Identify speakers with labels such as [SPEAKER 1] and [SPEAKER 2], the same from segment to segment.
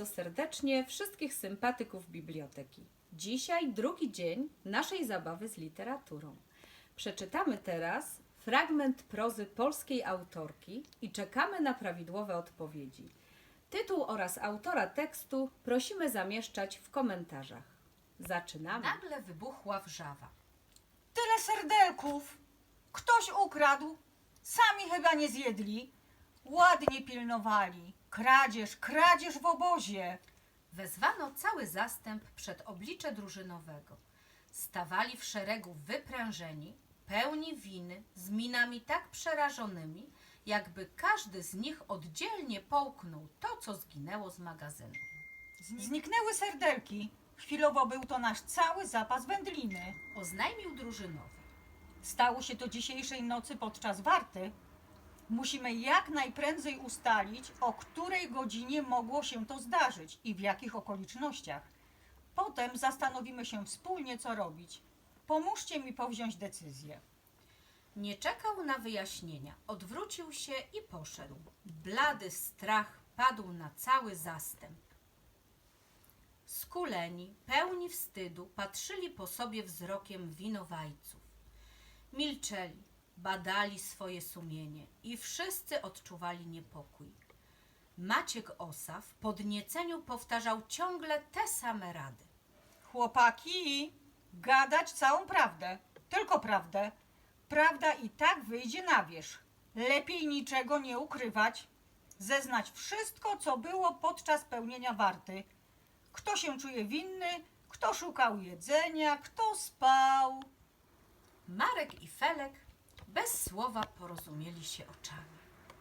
[SPEAKER 1] bardzo serdecznie wszystkich sympatyków biblioteki. Dzisiaj drugi dzień naszej zabawy z literaturą. Przeczytamy teraz fragment prozy polskiej autorki i czekamy na prawidłowe odpowiedzi. Tytuł oraz autora tekstu prosimy zamieszczać w komentarzach. Zaczynamy.
[SPEAKER 2] Nagle wybuchła wrzawa.
[SPEAKER 3] Tyle serdelków! Ktoś ukradł, sami chyba nie zjedli. Ładnie pilnowali. Kradzież w obozie.
[SPEAKER 2] Wezwano cały zastęp przed oblicze drużynowego. Stawali w szeregu wyprężeni, pełni winy, z minami tak przerażonymi, jakby każdy z nich oddzielnie połknął to, co zginęło z magazynu.
[SPEAKER 3] Zniknęły serdelki. Chwilowo był to nasz cały zapas wędliny.
[SPEAKER 2] Oznajmił drużynowy.
[SPEAKER 3] Stało się to dzisiejszej nocy podczas warty. Musimy jak najprędzej ustalić, o której godzinie mogło się to zdarzyć i w jakich okolicznościach. Potem zastanowimy się wspólnie, co robić. Pomóżcie mi powziąć decyzję.
[SPEAKER 2] Nie czekał na wyjaśnienia. Odwrócił się i poszedł. Blady strach padł na cały zastęp. Skuleni, pełni wstydu, patrzyli po sobie wzrokiem winowajców. Milczeli, badali swoje sumienie i wszyscy odczuwali niepokój. Maciek Osa w podnieceniu powtarzał ciągle te same rady.
[SPEAKER 3] Chłopaki, gadać całą prawdę, tylko prawdę. Prawda i tak wyjdzie na wierzch. Lepiej niczego nie ukrywać. Zeznać wszystko, co było podczas pełnienia warty. Kto się czuje winny, kto szukał jedzenia, kto spał.
[SPEAKER 2] Marek i Felek bez słowa porozumieli się oczami.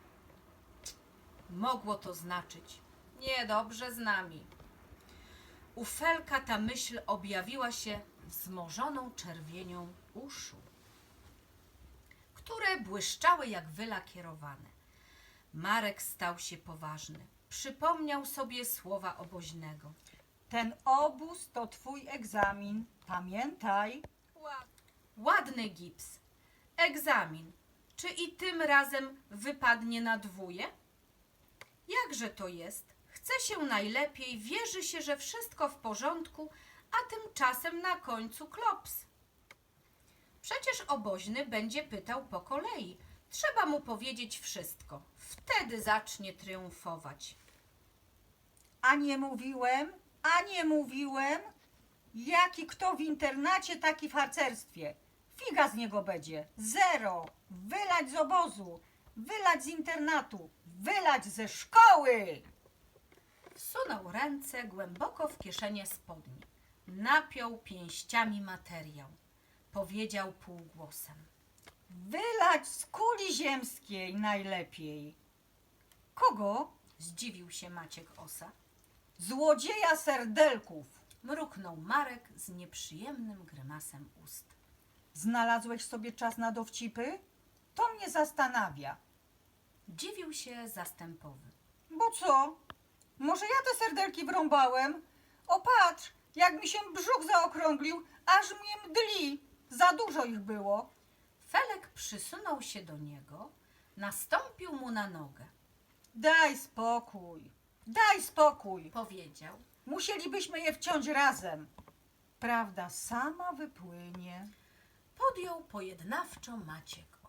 [SPEAKER 2] Mogło to znaczyć niedobrze z nami. U Felka ta myśl objawiła się wzmożoną czerwienią uszu, które błyszczały jak wylakierowane. Marek stał się poważny. Przypomniał sobie słowa oboźnego.
[SPEAKER 3] Ten obóz to twój egzamin. Pamiętaj.
[SPEAKER 2] Ładny gips. Egzamin. Czy i tym razem wypadnie na dwóje? Jakże to jest? Chce się najlepiej, wierzy się, że wszystko w porządku, a tymczasem na końcu klops. Przecież oboźny będzie pytał po kolei. Trzeba mu powiedzieć wszystko. Wtedy zacznie triumfować.
[SPEAKER 3] A nie mówiłem. Jaki kto w internacie, taki w harcerstwie. Figa z niego będzie. 0. Wylać z obozu. Wylać z internatu. Wylać ze szkoły.
[SPEAKER 2] Wsunął ręce głęboko w kieszenie spodni. Napiął pięściami materiał. Powiedział półgłosem.
[SPEAKER 3] Wylać z kuli ziemskiej najlepiej. Kogo?
[SPEAKER 2] Zdziwił się Maciek Osa.
[SPEAKER 3] Złodzieja serdelków.
[SPEAKER 2] Mruknął Marek z nieprzyjemnym grymasem ust.
[SPEAKER 3] Znalazłeś sobie czas na dowcipy? To mnie zastanawia.
[SPEAKER 2] Dziwił się zastępowy.
[SPEAKER 3] Bo co? Może ja te serdelki wrąbałem? O patrz, jak mi się brzuch zaokrąglił, aż mnie mdli. Za dużo ich było.
[SPEAKER 2] Felek przysunął się do niego, nastąpił mu na nogę.
[SPEAKER 3] Daj spokój.
[SPEAKER 2] Powiedział.
[SPEAKER 3] Musielibyśmy je wciąć razem. Prawda sama wypłynie.
[SPEAKER 2] Podjął pojednawczo Maciek